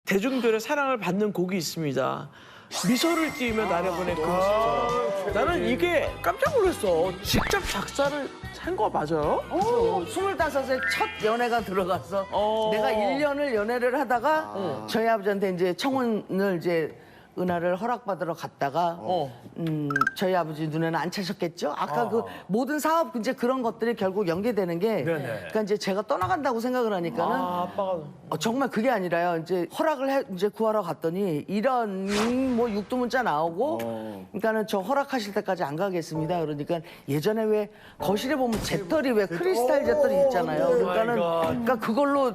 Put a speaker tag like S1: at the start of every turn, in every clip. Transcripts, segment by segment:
S1: 대중들의 사랑을 받는 곡이 있습니다. 미소를 띄우며 나를 보낸 그 모습. 나는 이게 깜짝 놀랐어. 직접 작사를 한 거 맞아요?
S2: 25에 첫 연애가 들어가서 내가 1년을 연애를 하다가 저희 아버지한테 이제 청혼을 이제 은하를 허락받으러 갔다가 저희 아버지 눈에는 안 차셨겠죠? 아까 그 모든 사업 이제 그런 것들이 결국 연계되는 게 그러니까 이제 제가 떠나간다고 생각을 하니까는
S1: 아빠가
S2: 정말 그게 아니라요. 이제 허락을 이제 구하러 갔더니 이런 뭐 육두문자 나오고 그러니까는 저 허락하실 때까지 안 가겠습니다. 그러니까 예전에 왜 거실에 보면 재떨이 왜 크리스탈 재떨이 있잖아요. 그러니까 그걸로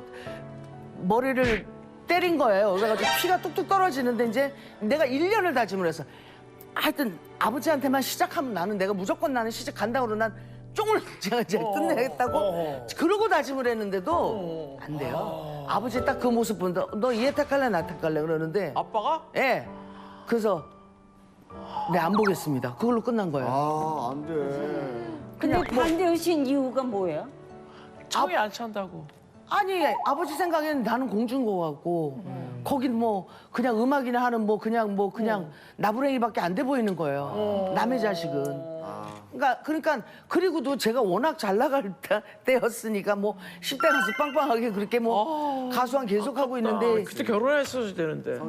S2: 머리를 때린 거예요. 그래가지고 피가 뚝뚝 떨어지는데 이제 내가 1년을 다짐을 해서 하여튼 아버지한테만 시작하면 나는 내가 무조건 나는 시작 간다고 그러고 난 쫑을 제가 이제 끝내겠다고 그러고 다짐을 했는데도 안 돼요. 아버지 딱 그 모습 보는데 너 얘 택할래 나 택할래 그러는데
S1: 아빠가?
S2: 예. 그래서 네 안 보겠습니다. 그걸로 끝난 거예요.
S3: 아, 안 돼.
S4: 근데 반대하신 이유가 뭐예요?
S1: 청이 안 찬다고.
S2: 아니 아버지 생각에는 나는 공주인 거 같고 거긴 뭐 그냥 음악이나 하는 뭐 그냥 나부랭이밖에 안 돼 보이는 거예요. 남의 자식은. 그러니까 그리고도 제가 워낙 잘 나갈 때였으니까 뭐 10대 가서 빵빵하게 그렇게 뭐 가수한 계속 하고 있는데
S1: 그때 결혼했어야 되는데.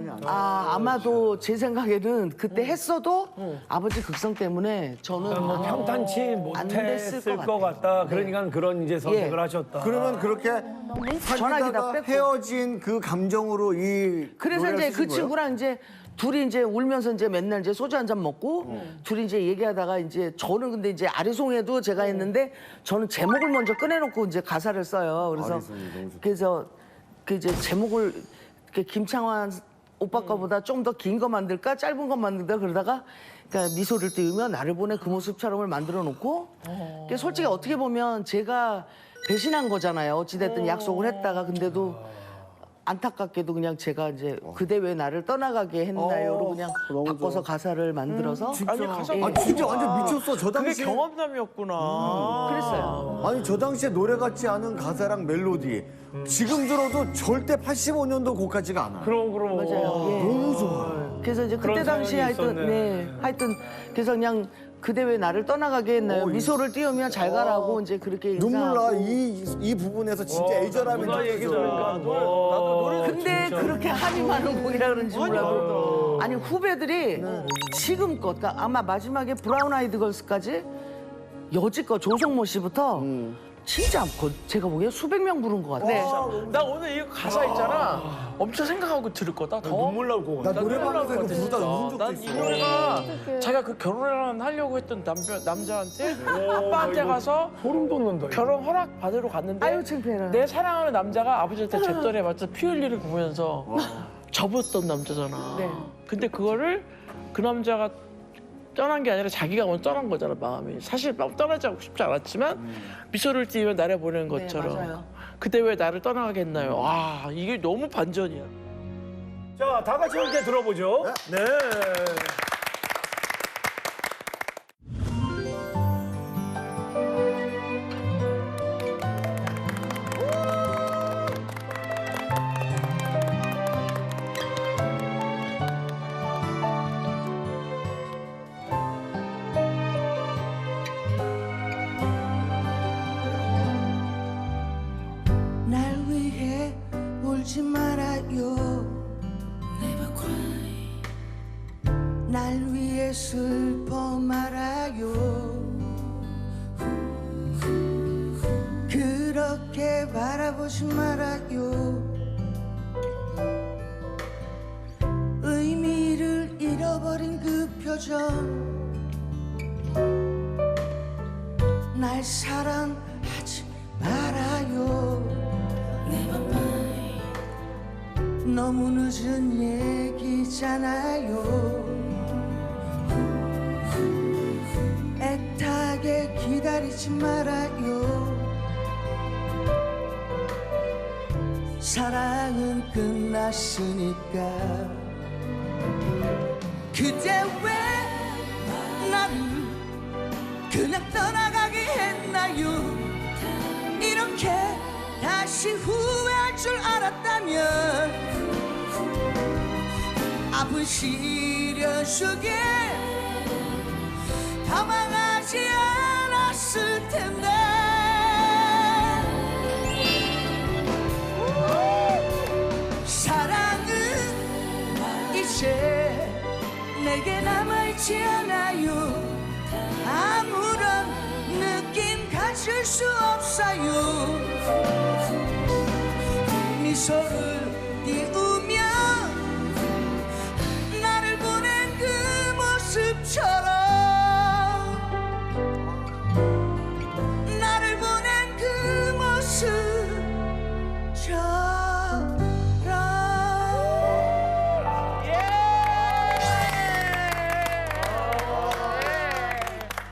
S2: 아마도 제 생각에는 그때 했어도 아버지 극성 때문에 저는
S5: 뭐 평탄치
S2: 안 됐을
S5: 못했을
S2: 것
S5: 것 같다. 그러니까 그런 이제 선택을
S2: 예.
S5: 하셨다.
S3: 그러면 그렇게
S2: 전화기 다
S3: 사귀다가
S2: 뺏고.
S3: 헤어진 그 감정으로 이
S2: 그래서
S3: 노래를
S2: 이제
S3: 쓰신
S2: 그
S3: 거예요?
S2: 친구랑 이제 둘이 이제 울면서 이제 맨날 이제 소주 한 잔 먹고 둘이 이제 얘기하다가 이제 저는 근데 이제 아리송해도 제가 했는데 저는 제목을 먼저 꺼내놓고 이제 가사를 써요. 그래서
S3: 아리송이 너무 좋다.
S2: 그래서 그 이제 제목을 이렇게 김창완 오빠 거보다 좀 더 긴 거 만들까 짧은 거 만들까 그러다가 그러니까 미소를 띄우며 나를 보내 그 모습처럼을 만들어 놓고 그게 솔직히 어떻게 보면 제가 배신한 거잖아요. 어찌됐든 약속을 했다가 근데도 안타깝게도 그냥 제가 이제 그대 왜 나를 떠나가게 했나요로 그냥
S3: 너무
S2: 바꿔서
S3: 좋아.
S2: 가사를 만들어서
S1: 아니 가사
S2: 예.
S3: 아, 진짜 완전 미쳤어. 저
S1: 그게
S3: 당시에.
S1: 경험담이었구나.
S2: 그랬어요.
S3: 아니, 저 당시에 노래 같지 않은 가사랑 멜로디. 지금 들어도 절대 85년도 곡 같지가 않아요.
S5: 그럼.
S2: 맞아요. 예.
S3: 너무 좋아요.
S2: 그래서 이제 그때
S5: 그런
S2: 당시에
S5: 사연이
S2: 하여튼
S5: 있었네.
S2: 네 하여튼 그래서 그냥 그대 왜 나를 떠나가게 했나요? 미소를 띄우며 잘 가라고 이제 그렇게
S3: 눈물 나.
S2: 인사하고.
S3: 이 부분에서 진짜 애절함이
S5: 누나 얘기
S3: 느껴져.
S5: 들으니까
S1: 나도 노래
S2: 근데 그렇게 한이 많은 곡이라 그런지 몰라도 아니 후배들이 지금껏 그러니까 아마 마지막에 브라운 아이드 걸스까지 여지껏 조성모 씨부터 진짜 제가 보기에 수백 명 부른 것 같아요.
S1: 나 오늘 이 가사 있잖아. 엄청 생각하고 들을 거다. 더
S5: 눈물 나올 것 같아.
S3: 나 노래방에서 이거 부르다 웃은 적도
S1: 난 이
S3: 있어.
S1: 노래가 자기가 그 결혼을 하려고 했던 남자한테 아빠한테 가서
S5: 소름 돋는다. 이거.
S1: 결혼 허락 받으러 갔는데
S2: 아유, 창피해라.
S1: 내 사랑하는 남자가 아버지한테 잿더리에 맞춰 피 흘리를 보면서 접었던 남자잖아.
S2: 네.
S1: 근데 그거를 그 남자가 떠난 게 아니라 자기가 먼저 떠난 거잖아, 마음이. 사실 떠나지 않고 싶지 않았지만 미소를 띄우며 나를 보내는 것처럼.
S2: 맞아요.
S1: 그때 왜 나를 떠나게 했나요? 와, 이게 너무 반전이야.
S5: 자, 다 같이 함께 들어보죠. 네.
S6: 날 위해 울지 말아요. 날 위해 슬퍼 말아요. 그렇게 바라보지 말아요. 의미를 잃어버린 그 표정. 날 사랑하지 말아요. 너무 늦은 얘기잖아요. 애타게 기다리지 말아요. 사랑은 끝났으니까. 그대 왜 나를 그냥 떠나가게 했나요? 이렇게 다시 후회할 줄 알았다면 아픈 시련 속에 당황하지 않았을 텐데 사랑은 이제 내게 남아있지 않아요 아무런 느낌 가질 수 없어요 미소를